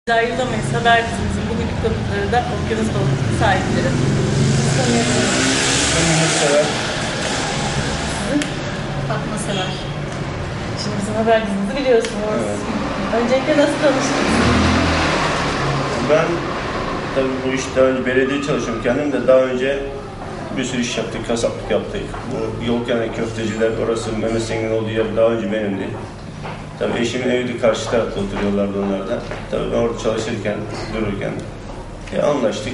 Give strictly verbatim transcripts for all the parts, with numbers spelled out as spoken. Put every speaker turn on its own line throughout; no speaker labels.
Ayrılamayız. Haber dizimizin bugünkü konukları da Okyanus Balıkçı sahipleri.
Mehmet Sever.
Fatma Sever.
Şimdi bizim haber dizimizi biliyorsunuz.
Evet.
Öncelikle nasıl tanıştınız?
Ben tabii bu işte daha önce belediye çalışıyorum kendim de daha önce bir sürü iş yaptık, kasaplık yaptık. Bu yol kenarı köfteciler, orası Mehmet Sengin'in olduğu yer daha önce benimdi. Tabii eşimin evi de karşı tarafta oturuyorlardı onlar da. Tabii ben orada çalışırken, dururken e, anlaştık.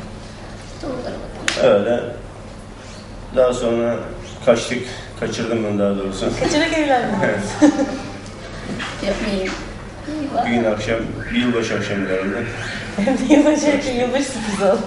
Öyle. Daha sonra kaçtık, kaçırdım ben daha doğrusu.
Kaçarak evlendiniz.
Evet.
Yapmayayım.
Bir gün akşam, bir yılbaşı akşamı herhalde.
Hem de yılbaşı, yılbaşı sürpriz oldu.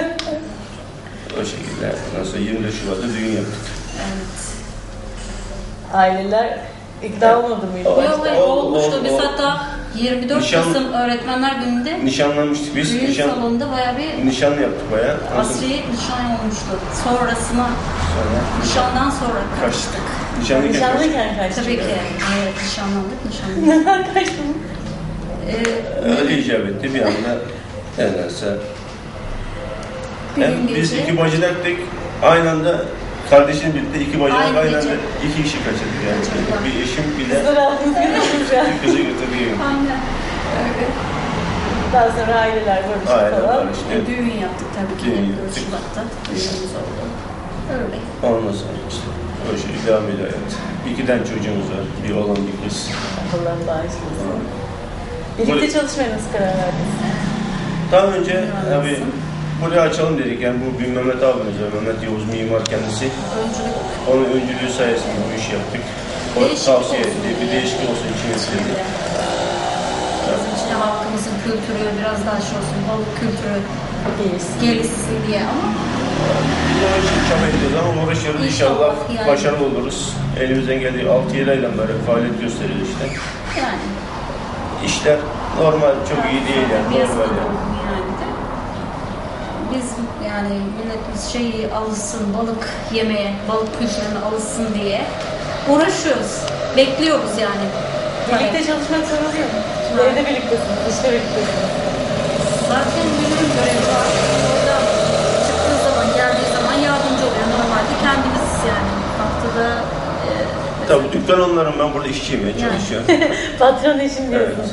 O şekilde. Ondan sonra yirmi dört Şubat'ta düğün yaptık.
Evet.
Aileler ikna olmadı mı ilk
Ol-
başta?
Yok hayır
ol-
olmuştu.
ol-
Biz
ol-
hatta yirmi dört
Nişan-
Kasım Öğretmenler Günü'nde
Nişanlanmıştık biz.
düğün
Nişan,
salonunda bayağı bir
nişan yaptık bayağı. Ondan sonra-
asri nişan olmuştu. Sonrasına,
sonra
nişandan sonra
kaçtık.
kaçtık.
Nişanlıyken kaçtık.
Nişanlıyken kaçtı.
Tabii ki. Evet, nişanlandık, nişanlandık.
Neden kaçtın?
Ee,
Öyle icap etti bir anda. Nedense.
bir
Hem
gün
biz
gece
iki bacıdaktık. Aynı anda kardeşim birlikte iki bacıdak
Aynı
aynı,
gece.
anda iki kişi kaçırdık yani.
Kaçırdılar.
Bir eşim bir de
Kızlar aldınız götürdünüz ya.
bir kızı götürdük.
Aynen. Öyle.
Daha sonra aileler barıştı
Aynen
falan.
barıştı.
E, düğün yaptık tabii ki.
Düğün
yirmi dört
yaptık.
Şubat'ta düğünümüz oldu. Öyle.
Ondan sonra işte o şey devam ediyor hayat. İkiden çocuğumuz var. Bir oğlan bir kız.
Allah'ım bağışlasın. Birlikte çalışmaya nasıl karar verdiniz?
Daha önce
Mühendissin.
tabii buraya açalım dedik. Yani bu bir Mehmet abimiz var. Mehmet Yavuz mimar kendisi.
Öncülük
Onun öncülüğü sayesinde bu işi yaptık. O
Değişiklik
tavsiye
olsun
etti.
diye.
Bir değişiklik olsun için istedi.
bizim için halkımızın kültürü biraz daha şey olsun, balık kültürü
Gelirsin.
gelişsin diye ama
Biz o için çaba ediyoruz ama uğraşıyoruz. İnşallah,
İnşallah yani.
başarılı oluruz. Elimizden geldiği altı yedi aydan beri faaliyet gösteriyoruz işte.
yani
İşler normal, çok iyi değil yani.
piyasada
Normal yani.
oldu yani de. Biz yani milletimiz şeyi alışsın, balık yemeye, balık kültürüne alışsın diye uğraşıyoruz. Bekliyoruz yani.
Birlikte çalışmak zor oluyor mu? Şimdi evde birliktesiniz, işte birliktesiniz.
Zaten müdürün görevi var. Orada çıktığı zaman, geldiği zaman yardımcı oluyor. Normalde kendimiz yani haftada e,
Tabii dükkan onların, ben burada işçiyim ya, çalışıyorum.
Patron eşim
Evet.
diyorsun.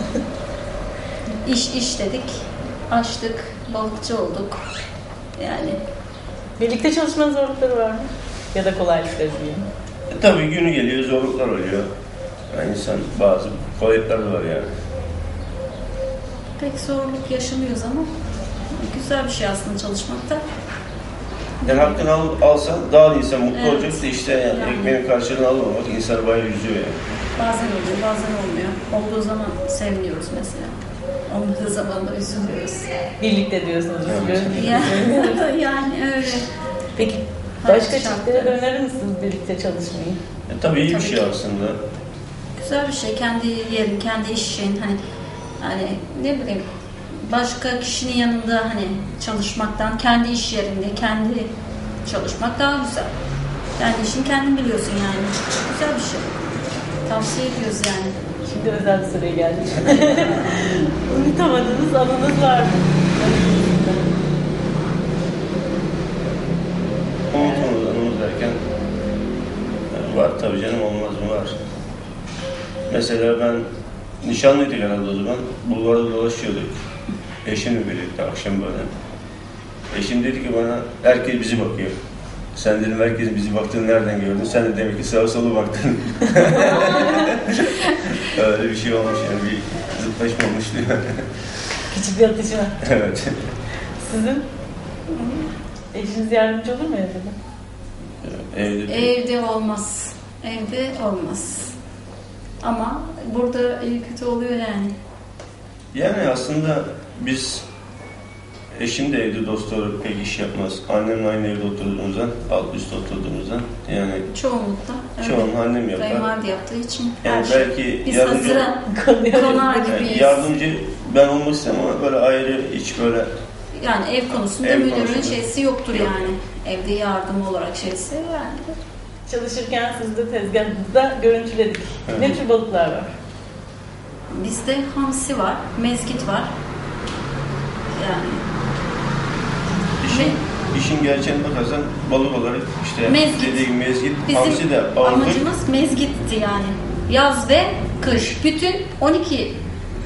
iş iş dedik, açtık, balıkçı olduk. Yani
Birlikte çalışmanın zorlukları var mı? Ya da kolaylıkları diyeyim.
E, tabii günü geliyor, zorluklar oluyor. Yani insan bazı kolaylıkları var yani.
pek zorluk yaşamıyoruz ama güzel bir şey aslında çalışmakta.
Yani hakkını al, alsan daha insan mutlu
Evet.
olacak da işte yani,
Yani.
ekmeğin karşılığını almamak insanı bayağı üzüyor yani.
Bazen oluyor, bazen olmuyor. Olduğu zaman seviniyoruz mesela. Olmadığı zaman da üzülüyoruz.
Birlikte diyorsunuz.
Evet.
üzülüyoruz.
Yani, yani öyle.
Peki
Hayat
başka
şartları.
çiftlere de önerir misiniz birlikte çalışmayı?
E, tabii iyi bir
Tabii
şey
ki.
aslında.
Güzel bir şey. Kendi yerin, kendi işin hani hani ne bileyim başka kişinin yanında hani çalışmaktan kendi iş yerinde kendi çalışmak daha güzel. Kendi işini kendin biliyorsun yani. Güzel bir şey. Tavsiye ediyoruz yani.
Şimdi özel bir soruya geldik. Unutamadığınız anınız var mı?
Unutmamız anımız derken e, var tabii canım, olmaz mı, var. Mesela ben nişanlıydık herhalde o zaman. Bulvarda dolaşıyorduk. Eşimle birlikte akşam böyle. Eşim dedi ki bana, herkes bizi bakıyor. Sen dedim herkesin bizi baktığını nereden gördün? Sen de demek ki sağa sola baktın. Öyle bir şey olmuş yani, bir zıtlaşma olmuş diyor.
Küçük bir atışma.
Evet.
Sizin? Eşiniz yardımcı olur mu evde?
Evde bir...
Evde olmaz. Evde olmaz. Ama burada iyi kötü oluyor yani.
Yani aslında biz, eşim de evde dost olarak pek iş yapmaz. Annemle aynı evde oturduğumuzdan, alt üst oturduğumuzdan yani
Çoğunlukla. öyle.
çoğunu annem yapar.
Kayınvalide yaptığı için her
Yani
şey.
belki
Biz
yardımcı,
hazıra
Konuyor.
konar
yani
gibiyiz.
yardımcı ben olmak istemem ama böyle ayrı, hiç böyle
Yani ev konusunda
Ev
müdürün
konusunda.
şeysi yoktur
Yok.
yani. Evde yardım olarak şeysi yani.
Çalışırken siz de tezgahınızda görüntüledik.
Evet.
Ne tür balıklar var?
bizde hamsi var, mezgit var. Yani
İşin, işin gerçeğine bakarsan balık olarak işte
Mezgit.
dediğim mezgit,
bizim
hamsi de ağırlık.
amacımız mezgitti yani. Yaz ve kış. Bütün on iki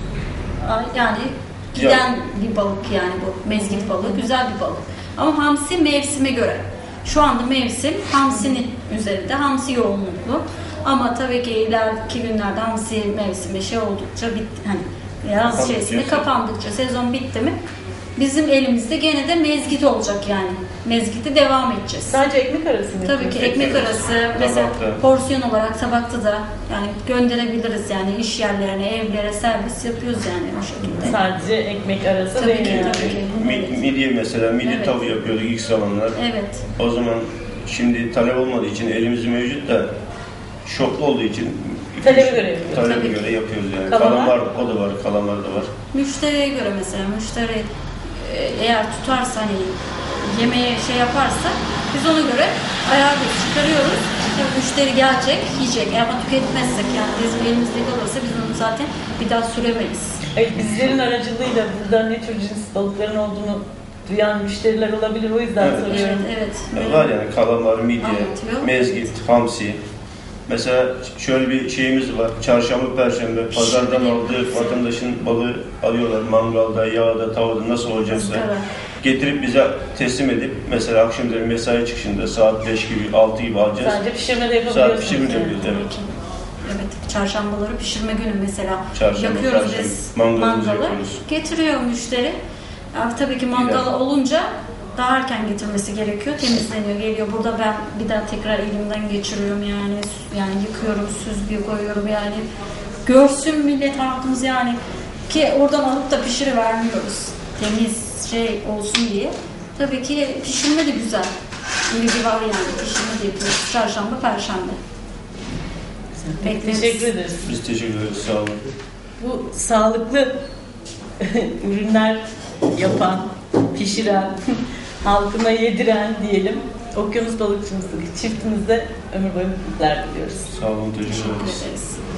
ay yani giden bir balık yani bu mezgit balığı. Güzel bir balık. Ama hamsi mevsime göre. Şu anda mevsim hamsinin üzerinde. Hamsi yoğunluklu. Ama tabii ki ileriki günlerde hamsi mevsimi şey oldukça bitti. Hani yaz
Kapandıkça,
şeysinde kapandıkça sezon bitti mi bizim elimizde gene de mezgit olacak yani. Mezgiti devam edeceğiz.
Sadece ekmek arası mı?
Tabii ki ekmek arası mesela
Tabakta.
porsiyon olarak tabakta da yani gönderebiliriz yani iş yerlerine, evlere servis yapıyoruz yani o şekilde.
Sadece ekmek arası
Tabii
değil
ki,
yani.
tabii ki.
Mi-
Evet.
Midye mesela, midye
Evet.
tavuğu yapıyorduk ilk zamanlar.
Evet.
O zaman şimdi talep olmadığı için elimizde mevcut da şoklu olduğu için
Talebe göre yapıyoruz.
talebe
Tabii
göre yapıyoruz yani.
Kalamar?
Kalamar o da var, kalamar da var.
Müşteriye göre mesela müşteri e, eğer tutarsa hani yemeğe şey yaparsa biz ona göre ayarlıyoruz, çıkarıyoruz. Tabii müşteri gelecek, yiyecek. Ama tüketmezsek yani bizim elimizde kalırsa biz onu zaten bir daha süremeyiz.
Evet, bizlerin aracılığıyla burada ne tür cins balıkların olduğunu duyan müşteriler olabilir. O yüzden
Evet.
soruyorum.
Evet, evet.
Yani var yani kalamar, midye,
Anlatıyor.
mezgit, hamsi. Mesela şöyle bir şeyimiz var. Çarşamba, perşembe pazardan
Şimdi-
aldığı vatandaşın balığı alıyorlar. Mangalda, yağda, tavada nasıl olacaksa.
Izgara.
Getirip bize teslim edip mesela akşamları mesai çıkışında saat beş gibi, altı gibi alacağız.
Sadece pişirme de yapabiliyorsunuz.
Saat pişirme de
yani.
yapıyoruz,
Tabii
evet.
ki. Evet, çarşambaları pişirme günü mesela
Çarşamba,
yakıyoruz
perşembe.
biz
Mangalımızı
mangalı.
yapıyoruz.
Getiriyor müşteri. Abi, tabii ki mangal
Gider.
olunca daha erken getirmesi gerekiyor. Temizleniyor, geliyor. Burada ben bir daha tekrar elimden geçiriyorum yani. Yani yıkıyorum, süzgüye koyuyorum yani. Görsün millet halkımız yani. Ki oradan alıp da pişirivermiyoruz. Temiz şey olsun diye. Tabii ki pişirme de güzel. İlgi var yani. Pişirme de yapıyoruz. Çarşamba, perşembe. Bekleriz.
Teşekkür ederiz.
Biz teşekkür ederiz. Sağ olun.
Bu sağlıklı ürünler yapan, pişiren, halkına yediren diyelim. Okyanus balıkçımızdaki çiftimize ömür boyu mutluluklar diliyoruz.
Sağ olun. Teşekkür
Teşekkür
ederiz.
ederiz.